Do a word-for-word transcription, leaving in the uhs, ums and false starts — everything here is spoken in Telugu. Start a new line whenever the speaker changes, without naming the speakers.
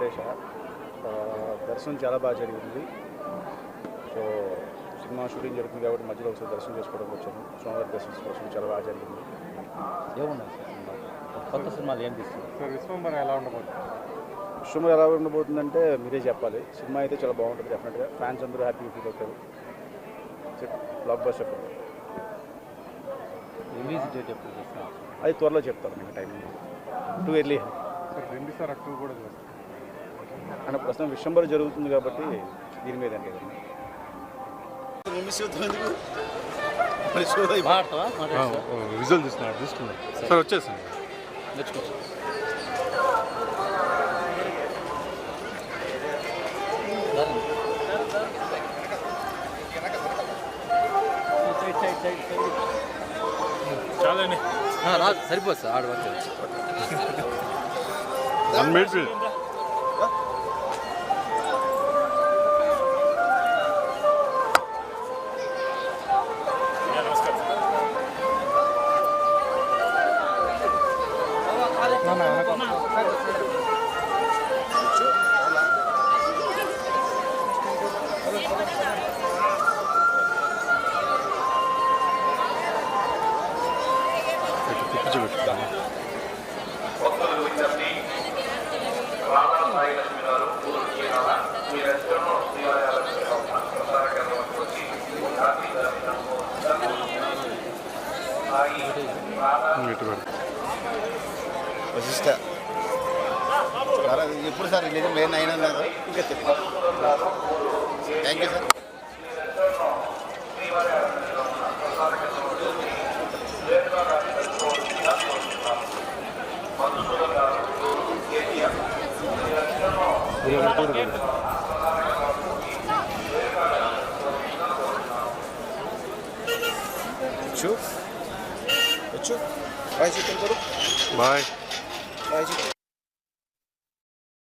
వెంకటేష. దర్శనం చాలా బాగా జరిగింది. సో సినిమా షూటింగ్ జరుగుతుంది కాబట్టి మధ్యలో ఒకసారి దర్శనం చేసుకోవడానికి వచ్చాను. స్వామివారి దర్శనం కోసం చాలా బాగా జరిగింది.
ఏమున్నాయి సార్ సినిమా కొత్త సినిమాలు ఏం తీస్తుంది
సార్? విశ్వంబర ఎలా ఉండబోతుంది?
విశ్వంబర ఎలా ఉండబోతుందంటే మీరే చెప్పాలి. సినిమా అయితే చాలా బాగుంటుంది. డెఫినెట్గా ఫ్యాన్స్ అందరూ హ్యాపీగా ఫీల్ అవుతారు. Block buster.
రిలీజ్ డేట్ ఎప్పుడు చేస్తారు?
అది త్వరలో చెప్తాను మీకు టైం. టూ ఎర్లీ
సార్ రెండు సార్ అక్టోబర్ కూడా చేస్తారు
అంటే ప్రస్తుతం విశ్వంబర జరుగుతుంది కాబట్టి దీని మీద అంటే
రిజల్ట్ తీసుకున్నారు తీసుకున్నారు సార్ వచ్చేసింది
నేర్చుకోవచ్చు.
చాలండి
రాదు సరిపోదు సార్ ఆడ వరకు
వన్ మినిట్
వశిష్ట ఎప్పుడు సార్ రిలీజ్ మెయిన్ అయినా లేదు ఇంకా చెప్పండి. Thank you sir. వచ్చు వచ్చు బాయ్ చికెన్ కరు
బాయ్
బాయ్ చికెన్